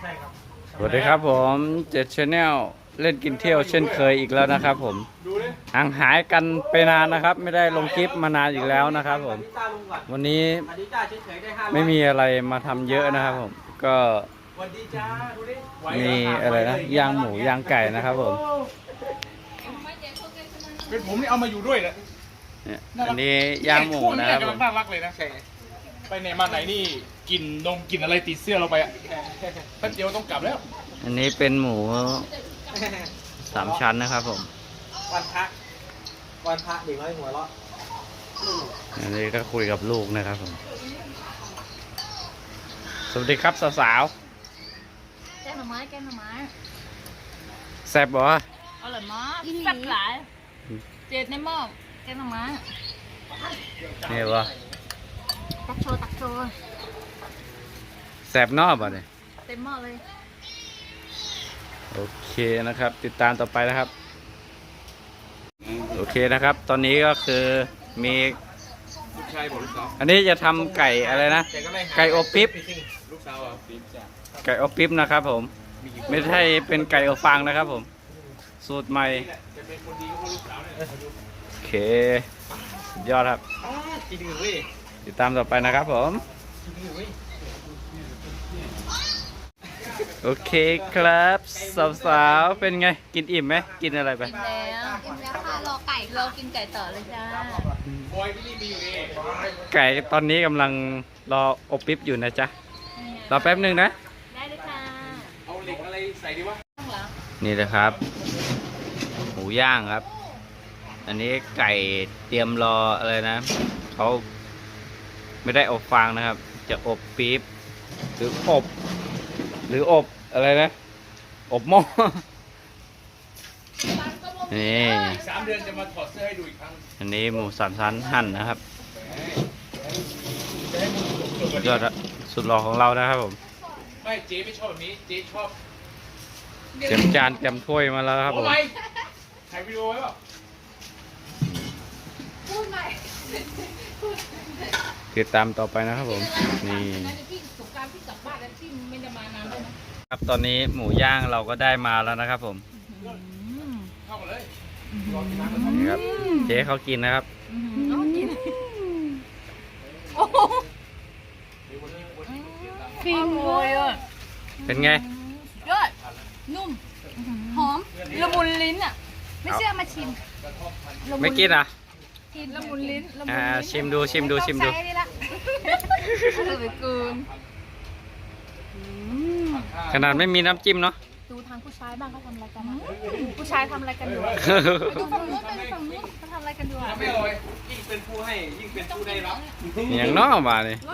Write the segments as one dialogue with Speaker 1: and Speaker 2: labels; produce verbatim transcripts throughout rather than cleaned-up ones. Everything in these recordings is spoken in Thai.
Speaker 1: ช่ครับ
Speaker 2: สวัสดีครับผมเจ็ดชาแนลเล่นกินเที่ยวเช่นเคยอีกแล้วนะครับผมห่างหายกันไปนานนะครับ ไม่ได้ลงคลิปมานานอีกแล้วนะครับผมวันนี้ไม่มีอะไรมาทำเยอะนะครับผมก็มีอะไรนะย่างหมูย่างไก่นะครับผม
Speaker 1: เป็นผมนี่เอามาอยู่ด้วยแหละ
Speaker 2: เนี่ยอันนี้ย่างหมูนะครับผม
Speaker 1: น่ารักเลยนะไปไหนมาไหนนี่กินนมกินอะไรติดเสื้อเราไปอ่ะแป๊บเดียวต้องกลับแล้ว
Speaker 2: อันนี้เป็นหมูสามชั้นนะครับผม
Speaker 3: วันพระวันพระเด็กน้อยหัวเราะ
Speaker 2: อันนี้ก็คุยกับลูกนะครับผมสวัสดีครับสาว
Speaker 4: แกงหน่อไม้แกงหน่อไม้
Speaker 2: ๆแซ่บบ่
Speaker 4: อร่อยมากแซ่บหลายเจ็ดในหม้อแกงหน่อไม้
Speaker 2: นี่บ่
Speaker 4: ตักโชว์ตักโชว์
Speaker 2: แซ่บนอกบ่เนี่ย
Speaker 4: เต็มหม้อเลย
Speaker 2: โอเคนะครับติดตามต่อไปนะครับโอเคนะครับ ตอนนี้ก็คือมีอันนี้จะทำไก่อะไรนะไก่อบปิ๊บไก่อบปิ๊บนะครับผมไม่ใช่เป็นไก่อบฟางนะครับผมสูตรใหม่โอเคสุดยอดครับติดตามต่อไปนะครับผมโอเคครับสาวๆเป็นไงกินอิ่มไหมกินอะไรไป
Speaker 4: กินแล้วกินแล้วค่ะรอไก่รอกินไก่ต่อเลยจ้า
Speaker 2: ไก่ตอนนี้กำลังรออบปิ๊บอยู่นะจ๊ะรอแป๊บหนึ่งนะ
Speaker 4: ได้เลยค่ะ
Speaker 1: เอาเหล็กอะไรใส่ดีวะ
Speaker 2: นี่นะครับหมูย่างครับอันนี้ไก่เตรียมรออะไรนะเขาไม่ได้อบฟางนะครับจะอบปิ๊บหรืออบหรืออบอะไรนะอบหม้อนี่
Speaker 1: สามเดือนจะมาถอดเสื้อให้ดูอีกครั้ง
Speaker 2: อันนี้หมูสามชั้นหั่นนะครับยอดสุดหล่อของเรานะครับผม
Speaker 1: ไม่เจ๊ไม่ชอบแบบนี้เจ๊ชอบ
Speaker 2: เตรียมจานเตรียมถ้วยมาแล้วครับผม
Speaker 1: ถ่ายวิดีโอไว้ป่ะ
Speaker 4: พูดใหม่
Speaker 2: ติดตามต่อไปนะครับผมนี่ครับตอนนี้หมูย่างเราก็ได้มาแล้วนะครับผมนี่ครับเจ๊เขากินนะครับ
Speaker 4: ฟินเลยอ่ะ
Speaker 2: เป็นไง
Speaker 4: ยอดนุ่มหอมละมุนลิ้นอ่ะไม่เชื่อมาชิม
Speaker 2: ไม่กินอ่ะ
Speaker 4: กินละมุนลิ้น
Speaker 2: อ่าชิมดูชิมดูชิมดูขนาดไม่มีน้ำจิ้มเนาะ
Speaker 4: ดูทางผู้ชายบ้างเขาทำอะไรกันผู้ชายทำอะไรกันอยู่ดูฝั่งนู้นไปฝั่งนู้นเขาทำอะไรกันอยู่
Speaker 1: ไม่อร่อยยิ่งเป็นผู้ให้ยิ่งเป็นผู้ได้รับ
Speaker 2: อย่างน้อมาเลย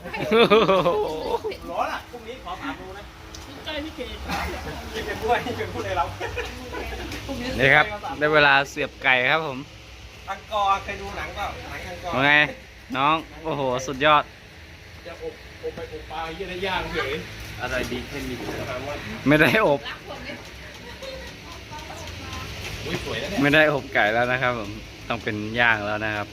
Speaker 3: ร้อนอ่ะพรุ่งนี้ขอถามดูนะ
Speaker 1: ใจพี่เก๋ยิ่งเป็นผู้ให้ยิ่งเป็นผู้ได้รับ
Speaker 2: นี่ครับได้เวลาเสียบไก่ครับผม
Speaker 3: อังกอร์เคยดูหนังเปล่าหนังอังกอร์
Speaker 2: ว่าไงน้องโอ้โหสุดยอด
Speaker 1: จะอบอบไปอบปลาเยี่ยได้ย่างเฉย
Speaker 3: อะไรดีแค่นี้
Speaker 2: ไม่ได้อบไม่ได้อบไก่แล้วนะครับผมต้องเป็นย่างแล้วนะครับ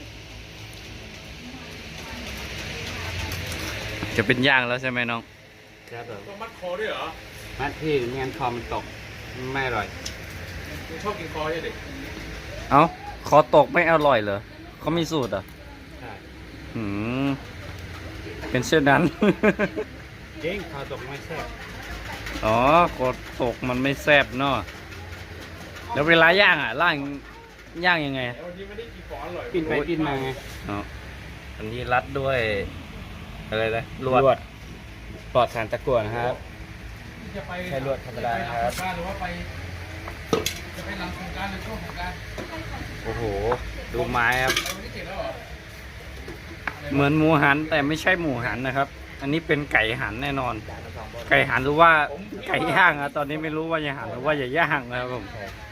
Speaker 2: จะเป็นย่างแล้วใช่ไหมน้อง
Speaker 3: ครับผม
Speaker 1: ต้องมัดคอด้วยเหรอ
Speaker 3: มัดพี่เงี้ยคอมันตกไม่อร่อย
Speaker 1: ชอบกินคอใช่ไหม
Speaker 2: เอ้าคอตกไม่อร่อยเหรอเขามีสูตรอ่ะ
Speaker 3: ใช่
Speaker 2: หืมเป็นเช่นนั้น
Speaker 3: จริงคอตกไม่แซ่บ
Speaker 2: อ๋อคอตกมันไม่แซ่บเนาะแล้วเวลาย่างอ่ะล่างย่างยังไง
Speaker 1: วันนี้ไม่ได้กินของอร่อย
Speaker 3: กินไปกินมาไง
Speaker 2: อ๋ออันนี้รัดด้วยอะไรนะลวดปลอดสารตะกั่วนะครับใช้ลวดธรรมดาครับ
Speaker 1: หรือว่าไปจะไปหลังโครงการหรือช่วงโครงการ
Speaker 2: โอ้โหดูไม้ครับเหมือนหมูหันแต่ไม่ใช่หมูหันนะครับอันนี้เป็นไก่หันแน่นอนไก่หันหรือว่าไก่ย่างอะตอนนี้ไม่รู้ว่าจะหันหรือว่าจะย่างนะครับผม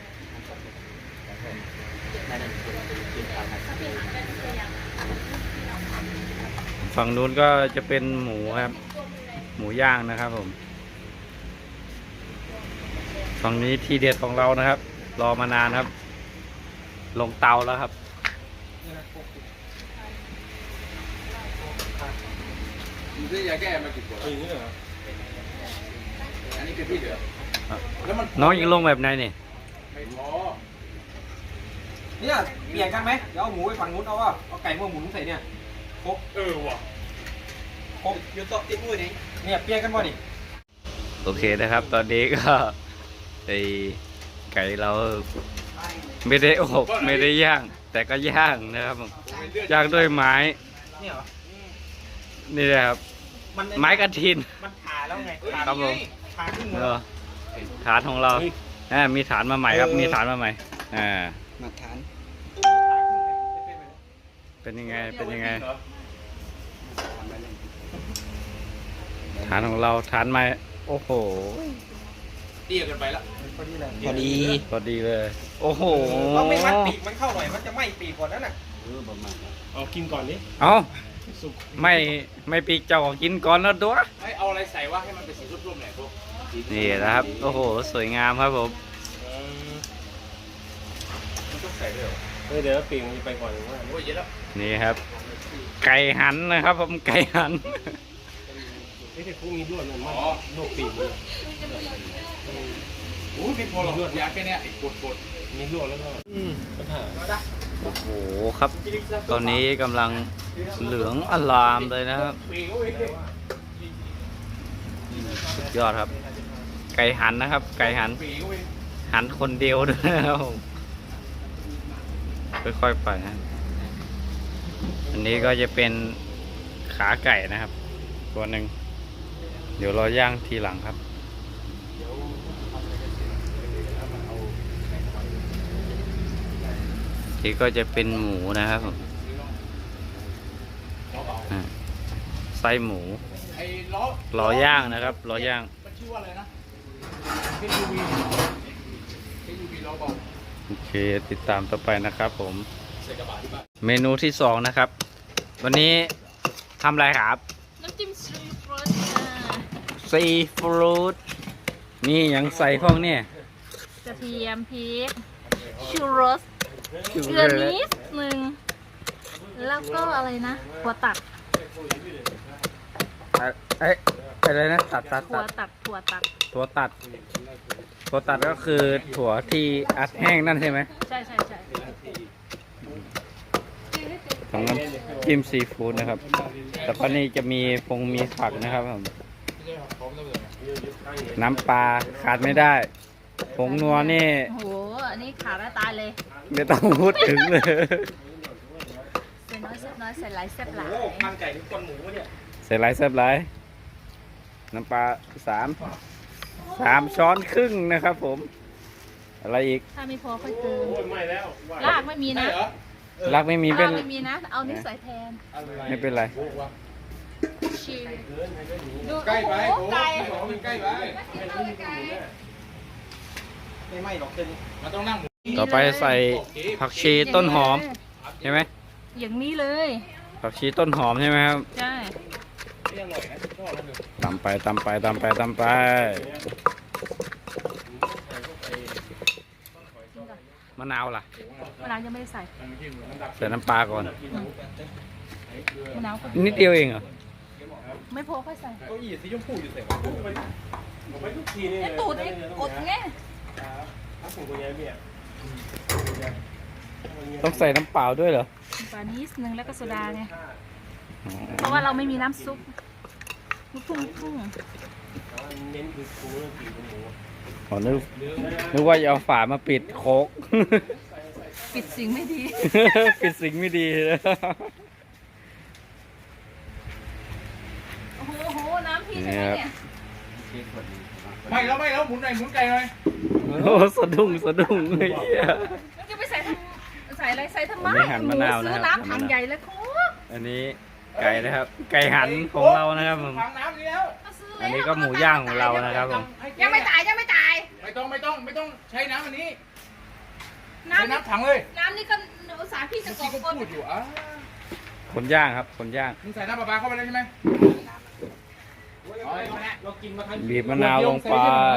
Speaker 2: ฝั่งนู้นก็จะเป็นหมูครับหมูย่างนะครับผมฝั่งนี้ที่เด็ดของเรานะครับรอมานานครับลงเตาแล้วครับ
Speaker 1: นี่ยาแก้มากี่ขวดกะทิเหลือแล้วมัน
Speaker 2: น้องยิงลงแบบไหนนี่
Speaker 1: ไม่พอ
Speaker 3: เนี่ยเปลี่ยนกันไหมเดี๋ยวเอาหมูไปฝั่งนู้นเอาว่าเอาไก่มาหมุนใส่เนี่ยครบ
Speaker 1: เออว่ะ
Speaker 3: ครบยูโตะติ๊กมุ้ยนี่เนี่ยเปลี่ยนกันบ่นี่
Speaker 2: โอเคนะครับ ตอนนี้ก็ไอไก่เราไม่ได้อบไม่ได้ย่าง แต่ก็ย่างนะครับผมย่างด้วยไม้
Speaker 3: เนี่ยเหรอ
Speaker 2: นี่นะครับ
Speaker 3: มัน
Speaker 2: ไม้กระถิน
Speaker 3: มันขาแล้วไง
Speaker 2: ครับผม
Speaker 3: ขาขึ้นหมด
Speaker 2: เออฐานของเราอ่ามีฐานมาใหม่ครับมีฐานมาใหม่อ่า
Speaker 3: มาฐาน
Speaker 2: เป็นยังไงเป็นยังไงฐานของเราฐานไม้โอ้โห
Speaker 1: เตี้ยเกันไปละ
Speaker 3: พอดีเลย
Speaker 2: พอดีพอดีเลย โอ้โห
Speaker 3: เราไม่มัดปีกมันเข้าหน่อยมันจะไหม้ปีกก่อนนั่นน่ะ
Speaker 1: เอากินก่อนดิ
Speaker 2: เอาไม่ไม่ปีกเจ้าของกินก่อนแล้วตัว
Speaker 1: ให้เอาอะไรใส่ว่าให้มันเป็นสีร่วมๆหน่อยพวก
Speaker 2: นี่นะครับโอ้โหสวยงามครับผม
Speaker 1: มันต้องใส่ด้วยเหรอ
Speaker 5: เฮ้ยเดี๋ยวปีกมันจะไปก่อนหรือว่า
Speaker 1: โอ้ยเยอะแล้ว
Speaker 2: นี่ครับ ไก่หันนะครับผมไก่หัน
Speaker 5: เฮ้ยแต่พวกมีลวดมันมากโลกปีกมัน
Speaker 1: โอ้ยไม่พอหรอกยาแค่เนี้ยไอ้ปวดปวด
Speaker 5: มีลวดแล้วก็อืมปัญหา
Speaker 2: โอ้โหครับ ตอนนี้กำลังเหลืองอลามเลยนะครับ
Speaker 1: ปีกโอ้ย
Speaker 2: สุดยอดครับ ไก่หันนะครับ ไก่หัน
Speaker 1: ปีกโอ้ย
Speaker 2: หันคนเดียวด้วยนะครับผมค่อยๆไปนะอันนี้ก็จะเป็นขาไก่นะครับ ตัวหนึ่งเดี๋ยวเราย่างทีหลังครับที่ก็จะเป็นหมูนะครับผมอ่าไส้หมู
Speaker 1: ไอ้ล้อ
Speaker 2: รอย่างนะครับรอย่าง
Speaker 1: มันชื่อว่าอะไรนะเอช ยู วี เอช ยู วี ล้อเบา
Speaker 2: โอเคติดตามต่อไปนะครับผม
Speaker 1: ใส่กระบะที่บ้าน
Speaker 2: เมนูที่สองนะครับ วันนี้ทำอะไรครับ
Speaker 4: น้ำจิ้มซีฟู้ดค่ะ
Speaker 2: ซีฟู้ดนี่ยังใส่พวกเนี่ย
Speaker 4: กระเทียมพริกชูรสเกลือนิดหนึ่งแล้วก็อะไรนะหัวตัด
Speaker 2: เอ๊ะอะไรนะตัดตัด
Speaker 4: หั
Speaker 2: ตัว ด
Speaker 4: ตัดหัวตัด
Speaker 2: ถั่วตัดถั่วตัดก็คือถั่วที่อัดแห้งนั่นใช่ไหม
Speaker 4: ใช่ใช่ใช่
Speaker 2: ของน้ำจิ้มซีฟู้ดนะครับแล้วก็นี่จะมีพงมีผักนะครับผมน้ำปลาขาดไม่ได้ผงนัวนี่
Speaker 4: โอ้โหอันนี้ขาดแล้วตายเลย
Speaker 2: ไม่ต้องพูดถึงเลย
Speaker 4: ใส่น้อยแซ่บน้อยใส่หลายแซ่บหลาย
Speaker 3: โอ้พันไก่ทุกคนหมูเนี่ย
Speaker 2: ใส่ไรแซ่บไรน้ำปลาสามสามช้อนครึ่งนะครับผม อะไรอีก
Speaker 4: ถ้าไม่พอค่อยเติม
Speaker 5: โอ้ยไม่แล้วว่า
Speaker 4: ลากไม่มีนะ
Speaker 1: ใช่เหรอ
Speaker 2: รักไม่มีเป็น
Speaker 4: ลากไม่มีนะ เอานี่ใส่แทน
Speaker 2: ไม่เป็นไร
Speaker 4: ชิลดู
Speaker 1: ใกล้ไป
Speaker 4: โอ้
Speaker 1: โอ้
Speaker 4: โหไก่
Speaker 1: ยบอกว่ามันใกล้ไป
Speaker 3: ไม่ไหม้หรอกเส้นนี้
Speaker 1: มันต้องนั่งหมู
Speaker 2: ต่อไปใส่ผักชีต้นหอมใช่ไหม
Speaker 4: อย่างนี้เลย
Speaker 2: ผักชีต้นหอมใช่ไหมครับ
Speaker 4: ใช่
Speaker 2: ตำไปตำไปตำไปตำไปมะนาวล่ะ
Speaker 4: มะนาวยังไม่ได้ใส่
Speaker 2: ใส่น้ำปลาก่อน
Speaker 4: มะนาวก็
Speaker 2: นิดเดียวเองเหรอ
Speaker 4: ไม่พอค่อยใส่
Speaker 1: เก้าอี้สีชมพูอยู่ใส่
Speaker 5: ผมไปทุกทีนี่
Speaker 4: ไอ้ตูดไอ้กดไง
Speaker 5: ถ้าผมคนนี้เนี่ย
Speaker 2: ต้องใส่น้ำเปล่าด้วยเหรอ
Speaker 4: ปลานิดนึงแล้วก็โซดาไง เพราะว่าเราไม่มีน้ำซุปลูกทุ่งลูกทุ่ง
Speaker 5: เน้นคือคูเรื่องปีกหมู
Speaker 2: ขอนึกนึกว่าจะเอาฝามาปิดโคก
Speaker 4: ปิดสิ่งไม่ดี
Speaker 2: ปิดสิ่งไม่ดีนะ
Speaker 4: โอ้โหโอ้โห น้ำพี่ใช่ไหมเนี่ย
Speaker 1: ไม่แล้วไม่แล้วหมุนหน่อยหมุนไก่หน่อย
Speaker 2: โอ้สะดุ้งสะดุ้งเฮ้ย
Speaker 4: มันจะไปใส่ทำใส่อะไรใส่ทำไม
Speaker 2: อันนี้หั่นมะนาวนะครับ
Speaker 4: ซื้อน้ำถังใหญ่แล้วคุก
Speaker 2: อันนี้ไก่นะครับ ไก่หันของเรานะครับผม
Speaker 1: ถังน้ำนี่แล้ว
Speaker 4: ก็ซื้
Speaker 2: อันนี้ก็หมูย่างของเรานะครับผม
Speaker 4: ยังไม่ตายยังไม่ตาย
Speaker 1: ไม่ต้องไม่ต้องไม่ต้องใช้น้ำอันนี้
Speaker 4: น้
Speaker 1: ใช้น้ำถังเลย
Speaker 4: ำน้ำนี่ก็อุตสาห์พี่จะ
Speaker 1: เมื่อก
Speaker 4: ร
Speaker 1: กี้
Speaker 4: อก
Speaker 1: ก็
Speaker 4: คน
Speaker 1: พูดอยู่อ่ะ
Speaker 2: คนย่างครับ คนย่าง
Speaker 1: มึงใส่น้ำปลาปลาเข้าไปแล้วใช่ไหม
Speaker 3: เรากินมาทั้ง
Speaker 2: บีบมะนาวลงไป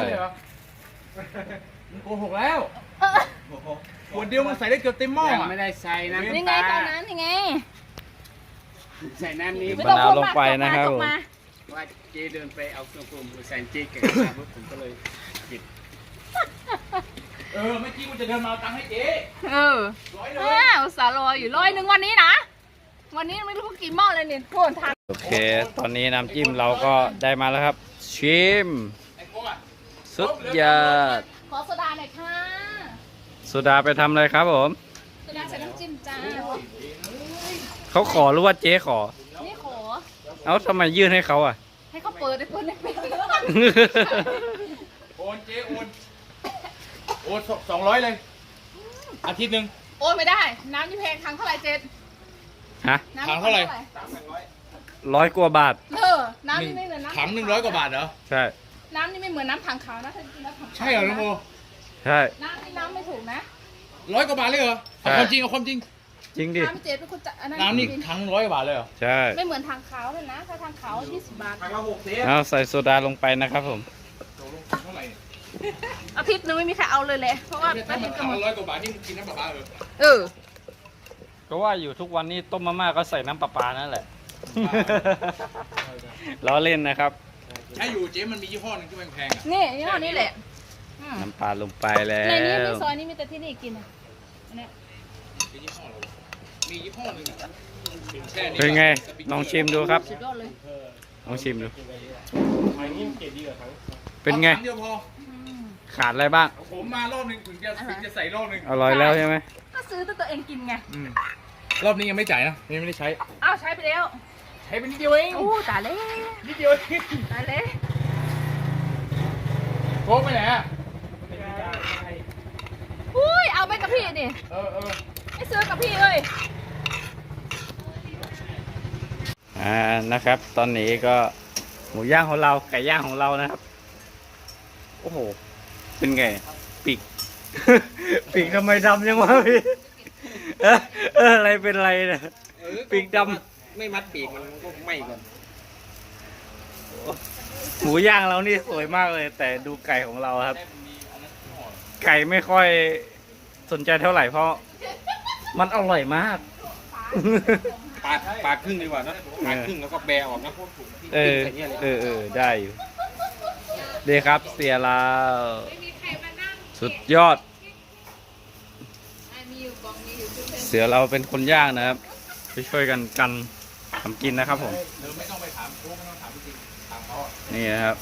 Speaker 1: มึงโกหกแล้วขวดเดียวมึงใส่ได้เกือบเต็มหม้ออ่ะ
Speaker 5: ไม่ได้ใส่น้ำ
Speaker 4: นี่ไงตอนนั้นยังไง
Speaker 5: ใส่น้ำนี้
Speaker 2: บีบมะนาวลงไปนะครับผม
Speaker 4: ตกมา
Speaker 5: ว่าเจเดินไปเอาเครื่องปรุงมาใส่เจแกะมาปุ๊บผมก็เลยหยิบ
Speaker 1: เออเมื่อกี้กูจะเดินมาเอาตังค์ให้เจ๊
Speaker 4: เออ
Speaker 1: ร้อยเล
Speaker 4: เอย ออุตส่าห์รออยู่ร้อยหนึ่งวันนี้นะ วันนี้ไม่รู้กี่หม้อเลยเนี่ยโทษทาน
Speaker 2: โอเค ตอนนี้น้ำจิ้มเราก็ได้มาแล้วครับ ชิม
Speaker 1: ไอ้พวกอ่ะ
Speaker 2: สุดยอด
Speaker 4: ขอโซดาหน่อยค่ะ
Speaker 2: โซดาไปทำอะไรครับผม
Speaker 4: โซดาใส่น้ำจิ้มจ้า
Speaker 2: เขาขอหรือว่าเจ๊ขอ
Speaker 4: นี่ขอ
Speaker 2: เอ้าทำไมยื่นให้เขาอ่ะ
Speaker 4: ให้เขาเปิดให้เปิดให้เป็น
Speaker 1: โอนเจ๊โอนโอนสองร้อยเลย อาทิตย์หนึ่ง
Speaker 4: โอนไม่ได้ น้ำนี่แพงครั้งเท่าไหร่เจ็ด
Speaker 2: ฮะ
Speaker 4: น้ำ
Speaker 1: ถังเท่าไหร่
Speaker 2: ร้อยกว่าบาท
Speaker 4: เออ น้ำนี่ไม่เหมือนน้ำ
Speaker 1: ถังหนึ่งร้อยกว่าบาทเหรอ
Speaker 2: ใช่
Speaker 4: น้ำนี่ไม่เหมือนน้ำถังขาวนะถ้ากินน้ำถังขาว
Speaker 1: ใช่เหรอน้องโม
Speaker 2: ใช่
Speaker 4: น้ำนี่น้ำไม่ถูกนะ
Speaker 1: ร้อยกว่าบาทเลยเหรอ
Speaker 2: ใช่
Speaker 1: เอาความจริงเอาความจริง
Speaker 2: จริงดิ
Speaker 4: น้ำเจ็ดเป็นคนจะอันนั้น
Speaker 1: น้ำนี่ถังร้อยกว่าบาทเลยเหรอ
Speaker 2: ใช่
Speaker 4: ไม่เหมือนถังขาวเลยนะ ถ้าถังขาวยี่สิบบาท
Speaker 3: ทางละหกสิบ
Speaker 2: เอาใส่โซดาลงไปนะครับผม
Speaker 1: ตกลงเท่าไหร่เนี่ย
Speaker 4: อาทิตย์นึงไม่มีใครเอาเลยแหละเพราะว่า
Speaker 1: เนี่ย
Speaker 4: แป๊
Speaker 1: ถ้า
Speaker 4: บ
Speaker 1: มั
Speaker 4: นึ
Speaker 1: น
Speaker 4: งก็หมด
Speaker 1: ถังละร้อยกว่าบาทนี่มึงกินน้ำปลาปลาเหรอ
Speaker 4: เออ
Speaker 2: ก็ว่าอยู่ทุกวันนี้ต้มมาม่าก็ใส่น้ำปลาปลานั่นแหละ ล้อเล่นนะครับ
Speaker 1: ใช่อยู่เจ๊มันมียี่ห้อหนึงที่แพงๆอ่ะ
Speaker 4: นี่ยี่ห้อนี้แหละอืม
Speaker 2: น้ำปลาลงไปแล้
Speaker 4: ในนี้
Speaker 2: ว
Speaker 4: มีซอยนี้มีแต่ที่นี่กินอ่ะอันเนี้ย
Speaker 1: มียี่ห้ออะไรวะมียี่ห้อหนึงอ่ะแช่
Speaker 2: เป็นไงลองชิมดูครับ
Speaker 4: สุดยอดเลย
Speaker 2: ลองชิมดู
Speaker 5: ทางนี้เกรดดีกว่าทั้ง
Speaker 2: เป็นไง
Speaker 1: อาถัเดียวพอ
Speaker 4: อืม
Speaker 2: ขาดอะไรบ้าง
Speaker 1: ผมมารอบหนึงถึงจะถึงจะใส่รอบหนึง
Speaker 2: อร่อยแล้วใช่ไหม
Speaker 4: ก็ซื้อแต่ตัวเองกินไง
Speaker 1: อืมรอบนี้ยังไม่จ่ายนะยังไม่ได้ใช้
Speaker 4: อ้าวใช้ไปแล้ว
Speaker 1: ใช้ไปนิดเดียวเอง
Speaker 4: โอ้ตายแล้ว
Speaker 1: นิดเดียวเอง
Speaker 4: ตายแล้ว
Speaker 1: โค้กไปไหนอ่ะ
Speaker 4: อุ้ยเอาไปกับพี่ดิ
Speaker 1: เออเออ
Speaker 4: ไม่ซื้อกับพี่เลย
Speaker 2: อ่านะครับ ตอนนี้ก็หมูย่างของเราไก่ย่างของเรานะครับ โอ้โห เป็นไงปีก ปีกทำไมดำยังวะพี่เออเอออะไรเป็นไรเนี่ย ปีกด
Speaker 3: ไม่มัดปีกมันก็ไหม้ก่อน
Speaker 2: หมูย่างเรานี่สวยมากเลย แต่ดูไก่ของเราครับ ไก่ไม่ค่อยสนใจเท่าไหร่เพราะมันอร่อยมาก
Speaker 3: ปาดปาดครึ่งดีกว่านะปาดครึ่งแล้วก็แบะออกนะ
Speaker 2: เออเออเออได้อยู่ดีครับเสียลาวสุดยอด เสือเราเป็นคนย่างนะครับไปช่วยกันกันทำกินนะครับผม
Speaker 1: เธอไม่ต้องไปถามโค้กไม่ต้องถามจริงถามเขาอะ
Speaker 2: นี่นะครับ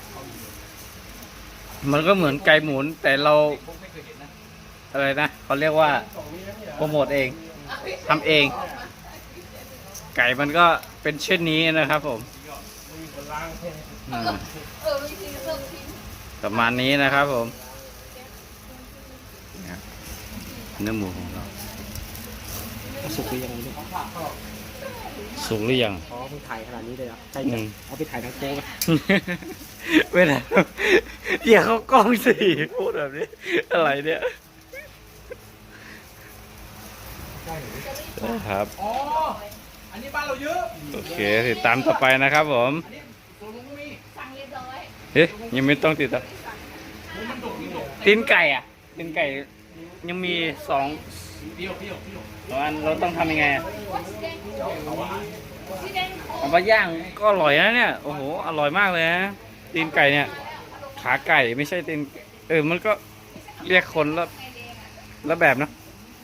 Speaker 2: มันก็เหมือนไก่หมุนแต่เรา
Speaker 1: โค้กไม่เคยเห็นนะ
Speaker 2: อะไรนะเขาเรียกว่าโปรโมทเองทำเอง ไก่มันก็เป็นเช่นนี้นะครับผมอืม
Speaker 4: เออวิธีเริ่มทิ้ง
Speaker 2: ประมาณนี้นะครับผมเนี่ยเนื้อหมูของเรา
Speaker 3: สุกหรือยังเนี่ย
Speaker 2: สุกหรือยัง
Speaker 3: อ๋อเพิ่งถ่ายขนาดนี้เลยอ่ะใช่
Speaker 2: อื
Speaker 3: จ้ะ
Speaker 2: ม
Speaker 3: เอาไปถ่ายทางโค้งอะ
Speaker 2: เวลาอย่าเข้ากล้องสิพูดแบบนี้ อะไรเนี่ยนะครับ
Speaker 1: อ๋ออันนี้บ้านเราเยอะ
Speaker 2: โอเคติดตามต่อไปนะครับผม
Speaker 1: อันนี้ตัวลุงก็มี
Speaker 4: สั่งเรียบร้อย
Speaker 2: เฮ้ยยังไม่ต้องติดตาม
Speaker 1: มันดกมันดก
Speaker 2: ตีนไก่อ่ะตีนไก่ยังมีสอง
Speaker 1: เดียวเดียวเดียว
Speaker 2: สองอันเราต้องทำยังไงอะ
Speaker 4: สีแดง
Speaker 2: เอาไปย่างก็อร่อยนะเนี่ยโอ้โหอร่อยมากเลยนะตีนไก่เนี่ยขาไก่ไม่ใช่ตีนเออมันก็เรียกคนละละแบบเนอะ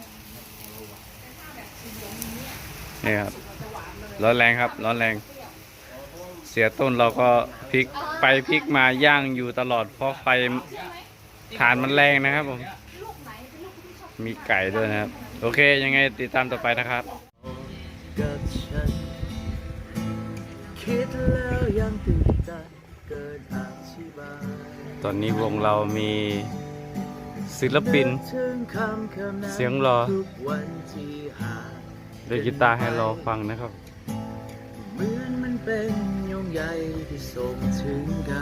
Speaker 2: นี่ครับร้อนแรงครับร้อนแรง เสียต้นเราก็พลิกไปพลิกมาย่างอยู่ตลอดเพราะไฟฐานมันแรงนะครับผมมีไก่ด้วยนะครับโอเคยังไงติดตามต่อไปนะครับ
Speaker 6: กับฉันคิดแล้วยังตื่นใจเกินอธิบาย
Speaker 2: ตอนนี้วงเรามีศิลปิน
Speaker 6: ถึงคำคำนั้น
Speaker 2: เสียงรอ
Speaker 6: ทุกวันที่หา
Speaker 2: เล่นกีตาร์ให้เราฟังนะครับ
Speaker 6: เหมือนมันเป็นโยงใยที่ส่งถึงกัน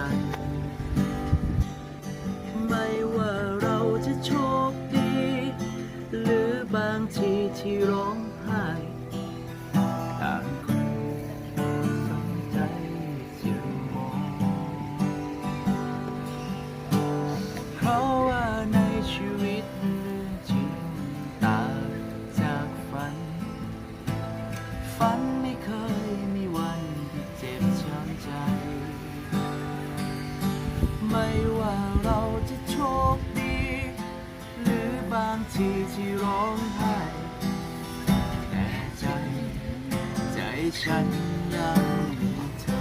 Speaker 6: ไม่ว่าเราจะโชคดี หรือบางทีที่ร้องไห้ต่างคนสนใจจะมอง เพราะว่าในชีวิตเรื่องจริงต่างจากฝัน ฝันไม่เคยมีวันที่เจ็บช้ำใจว่าเราจะโชคดี หรือบางทีที่ร้องไห้แต่ใจ ใจฉันยังมีเธอ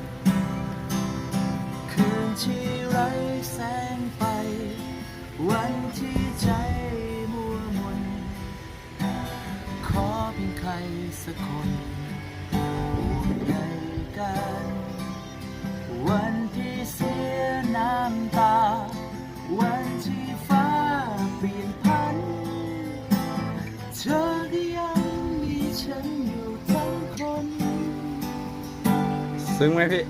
Speaker 6: คืนที่ไร้แสงไฟ วันที่ใจมัวมน ขอเพียงใครสักคนห่วงใยกัน วันที่เสียน้ำตา วันที่ฟ้าเปลี่ยนพัน เธอก็ยังมีฉันอยู่ทั้งคน
Speaker 2: ซึ้งไหมพี่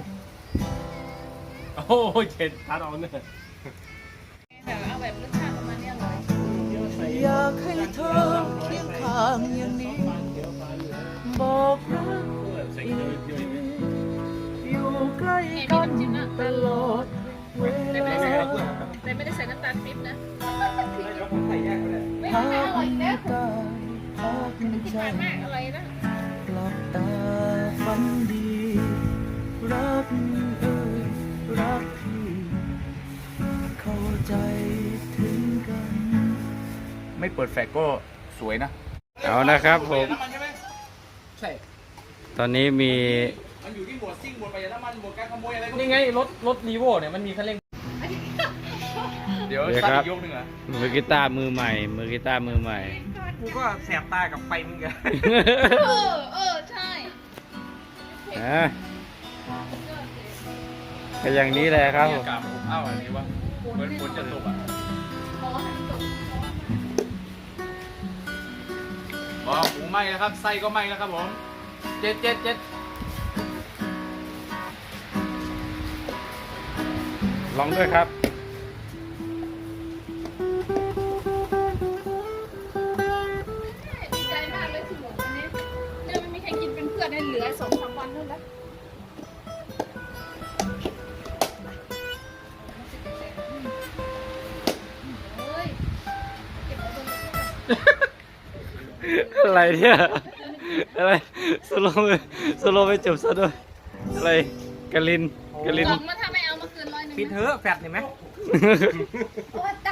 Speaker 5: โอ้ยเจ็ดพัดเอาเนี่ย
Speaker 4: แบบเอาแบบรสชาติประมาณนี้อร่อย
Speaker 6: อยากให้เธอเคียงข้างอย่างนี้ บอกรักอีกทีอยู่ใกล้กันตลอดเว
Speaker 4: แต่ไม่
Speaker 6: ลา
Speaker 4: ได้ใส่แต่ไม่ได้ใส่น้ำตาลปี๊บนะ
Speaker 3: ใส่แยกก็ได้
Speaker 4: ไม่
Speaker 6: หา
Speaker 4: ไม่อร่อย
Speaker 6: ไม่
Speaker 4: นะ
Speaker 6: ได้พัก
Speaker 4: ที่
Speaker 6: ใจ
Speaker 4: ผ่านมากอร่อยนะ
Speaker 6: กลับตาฝันดี รักเอ่ยรักพี่ เข้าใจถึงกัน
Speaker 1: ไม่เปิดแฟลชก็สวยนะ
Speaker 2: เอานะครับผม
Speaker 1: น้ำมันใช่ไหม
Speaker 3: ใช่
Speaker 2: ตอนนี้มี
Speaker 1: มันอยู่ที่หมวดซิ่งหมวดประหยัดน้ำมันหมวดการขโมยอะไรก็
Speaker 3: นี่ไงรถรถรีโวเนี่ยมันมีคันเร่ง
Speaker 1: เดี๋ยว
Speaker 2: เดี๋ยว
Speaker 1: ตั้ง
Speaker 2: ครับ
Speaker 1: อีกยกหนึ่งเหรอ
Speaker 2: มือกีตาร์มือใหม่ มือกีตาร์มือใหม่
Speaker 3: กูก็แสบตากับไฟมึงกัน
Speaker 4: เออเออใช่
Speaker 2: นะก็อย่างนี้แหละครับผม
Speaker 1: อากาศผมอ้าวอันนี้วะเหมือนฝนจะตกอ่ะ
Speaker 4: บอกว่าให้จบ
Speaker 1: บอกหมูไหม้แล้วครับไส้ก็ไหม้แล้วครับผมเจ็ดเจ็ดเจ็ด
Speaker 2: ลองด้วยครับ
Speaker 4: ดีใจมากเลยที่หมูวันนี้จะไม่มีใครกินเป็นเพื่อนให้เหลือสองสามวันเท่านั้นเฮ้ยเก็บเอาตรงนี้
Speaker 2: อะไรเนี่ย อะไรสโลว์ไปสโลว์ไปจบซะด้วย อะไรกะลินกะลิน
Speaker 4: กล่องมาถ้าไม่เอามาคืนร้อยหนึ่ง
Speaker 3: ปิดเถอะแฟดเห็นไหม
Speaker 4: โอ้ยตาย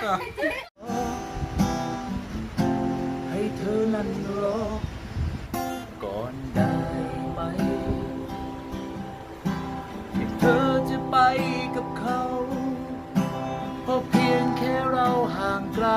Speaker 6: ให้เธอนั้นรอ ก่อนได้ไหมที่เธอจะไปกับเขาเพราะเพียงแค่เราห่างไกล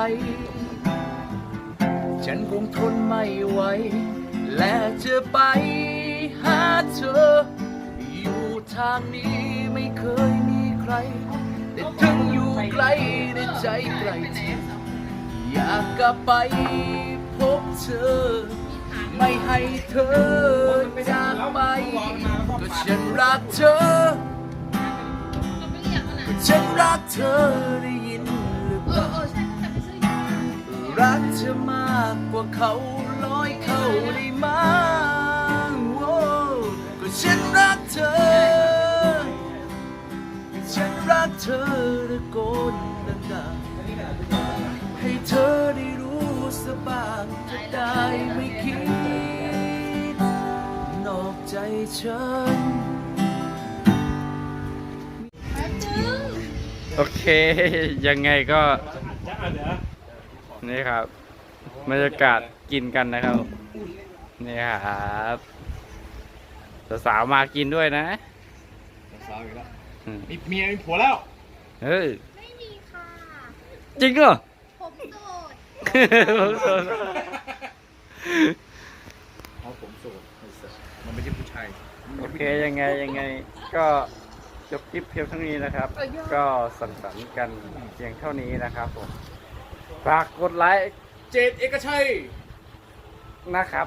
Speaker 6: ฉันคงทนไม่ไหวและจะไปหาเธอ อยู่ทางนี้ไม่เคยมีใคร แต่ถึงอยู่ไกลแต่ใจไกลเธอ อยากกลับไปพบเธอ ไม่ให้เธอจากไป ก็ฉันรักเธอ
Speaker 4: เราไปเรียกมัน
Speaker 6: ก็
Speaker 4: อ่ะ
Speaker 6: ฉันรักเธอได้ยินหรือ
Speaker 4: เอ
Speaker 6: เป
Speaker 4: อ
Speaker 6: ล่า
Speaker 4: เออใช่แต่ไปซื้อยา
Speaker 6: รักเธอมากกว่าเขาร้อยเขาได้มาโอ้ก็ฉันรักเธอ ฉันรักเธอตะโกนดังๆให้เธอได้รู้สกบ้างจะได้ไม่คิด นอกใจฉัน
Speaker 4: แป๊บนึง
Speaker 2: โอเค ยังไงก็ นี่ครับบรรยากาศกินกันนะครับ นี่ครับสาวๆมากินด้วยนะ
Speaker 1: สาวอีกแล้ว
Speaker 2: อืม
Speaker 1: มีเมียมีผัวแล้ว
Speaker 2: เฮ้ย
Speaker 4: ไม่มีค่ะ
Speaker 2: จริงเหรอ
Speaker 4: ผมโสด
Speaker 1: เอาผมโสดมันไม่ใช่ผู้ชาย
Speaker 2: โอเคยังไงยังไงก็จบคลิปเพียงเท่านี้นะครับ ก็สังสรรค์กันเพียงเท่านี้นะครับผมฝากกดไลค์
Speaker 1: เจดเอกชัย
Speaker 2: นะครับ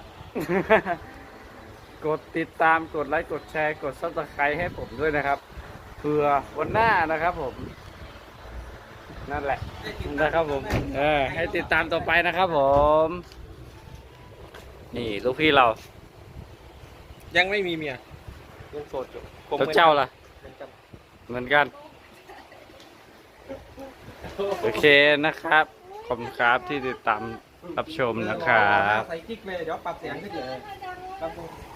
Speaker 2: กดติดตามกดไลค์กดแชร์กดซับสไครต์ให้ผมด้วยนะครับเพื่อวันหน้านะครับผม นั่นแหละนะครับผมเออให้ติดตามต่อไปนะครับผม นี่ลูกพี่เรา
Speaker 3: ยังไม่มีเมียยังโสดอยู่
Speaker 2: แล้วเจ้าล่ะ เหมือนกัน โอเคนะครับ ขอบคุณครับที่ติดตามรับชมนะครับ
Speaker 3: ใส่กิ๊กเลยเดี๋ยวปรับเสียงขึ้นเลยครับผม